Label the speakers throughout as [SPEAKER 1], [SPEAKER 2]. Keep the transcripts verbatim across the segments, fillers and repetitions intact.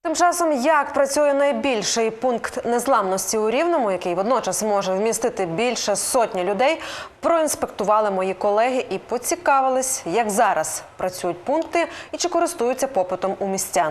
[SPEAKER 1] Тим часом, як працює найбільший пункт незламності у Рівному, який водночас може вмістити більше сотні людей, проінспектували мої колеги і поцікавились, як зараз працюють пункти і чи користуються попитом у містян.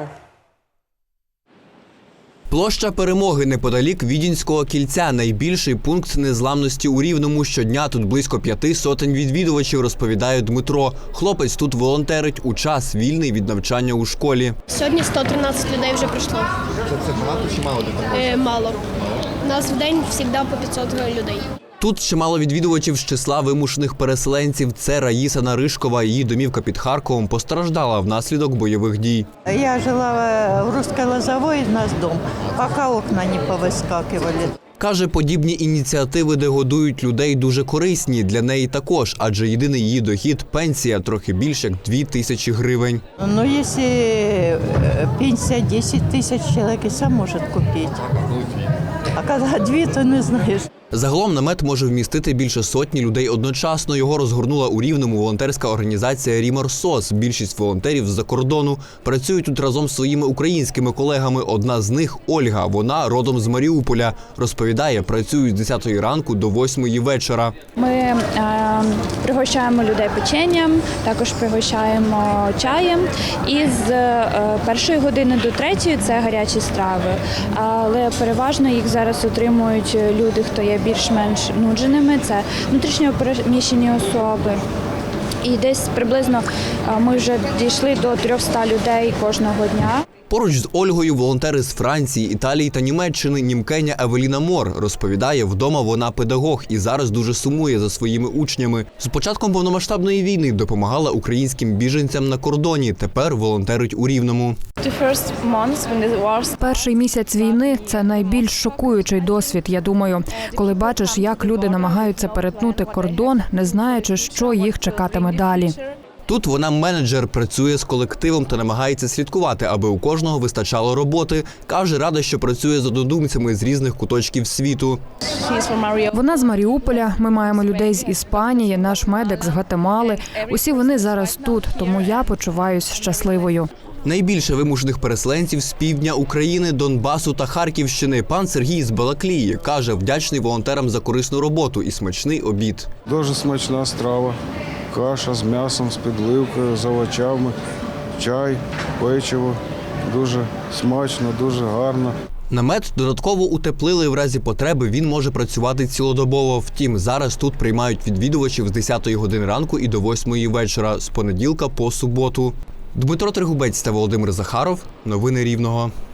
[SPEAKER 2] Площа Перемоги неподалік Відінського кільця – найбільший пункт незламності у Рівному. Щодня тут близько п'яти сотень відвідувачів, розповідає Дмитро. Хлопець тут волонтерить у час, вільний від навчання у школі.
[SPEAKER 3] Сьогодні сто тринадцять людей вже прийшло.
[SPEAKER 4] Це багато чи мало людей?
[SPEAKER 3] Е, мало. У нас в день завжди по п'ятсот людей.
[SPEAKER 2] Тут чимало відвідувачів з числа вимушених переселенців. Це Раїса Наришкова. Її домівка під Харковом постраждала внаслідок бойових дій.
[SPEAKER 5] Я жила в Русской Лозовой, у нас дом, пока окна не повыскакивали.
[SPEAKER 2] Каже, подібні ініціативи, де годують людей, дуже корисні. Для неї також, адже єдиний її дохід – пенсія, трохи більше як дві тисячі гривень.
[SPEAKER 5] Ну, если пенсия десять тысяч, человек и сам может купить. А когда две, то не знаешь.
[SPEAKER 2] Загалом намет може вмістити більше сотні людей одночасно. Його розгорнула у Рівному волонтерська організація «Рімор СОС». Більшість волонтерів з-за кордону працюють тут разом з своїми українськими колегами. Одна з них – Ольга. Вона родом з Маріуполя. Розповідає, працюють з десятої ранку до восьмої вечора.
[SPEAKER 6] Ми е, пригощаємо людей печенням, також пригощаємо чаєм. І з е, першої години до третьої – це гарячі страви. Але переважно їх зараз отримують люди, хто є більш-менш нудженими, це внутрішньо переміщені особи. І десь приблизно ми вже дійшли до трьохсот людей кожного дня.
[SPEAKER 2] Поруч з Ольгою волонтери з Франції, Італії та Німеччини. Німкеня Евеліна Мор розповідає, вдома вона педагог і зараз дуже сумує за своїми учнями. З початком повномасштабної війни допомагала українським біженцям на кордоні. Тепер волонтерить у Рівному.
[SPEAKER 7] Перший місяць війни – це найбільш шокуючий досвід, я думаю. Коли бачиш, як люди намагаються перетнути кордон, не знаючи, що їх чекатиме далі.
[SPEAKER 2] Тут вона менеджер, працює з колективом та намагається слідкувати, аби у кожного вистачало роботи. Каже, рада, що працює з однодумцями з різних куточків світу.
[SPEAKER 7] Вона з Маріуполя, ми маємо людей з Іспанії, наш медик з Гватемали. Усі вони зараз тут, тому я почуваюсь щасливою.
[SPEAKER 2] Найбільше вимушених переселенців з півдня України, Донбасу та Харківщини. Пан Сергій з Балаклії каже, вдячний волонтерам за корисну роботу і смачний обід.
[SPEAKER 8] Дуже смачна страва. Каша з м'ясом, з підливкою, з овочами, чай, печиво. Дуже смачно, дуже гарно.
[SPEAKER 2] Намет додатково утеплили, в разі потреби він може працювати цілодобово. Втім, зараз тут приймають відвідувачів з десятої години ранку і до восьмої вечора, з понеділка по суботу. Дмитро Тригубець та Володимир Захаров. Новини Рівного.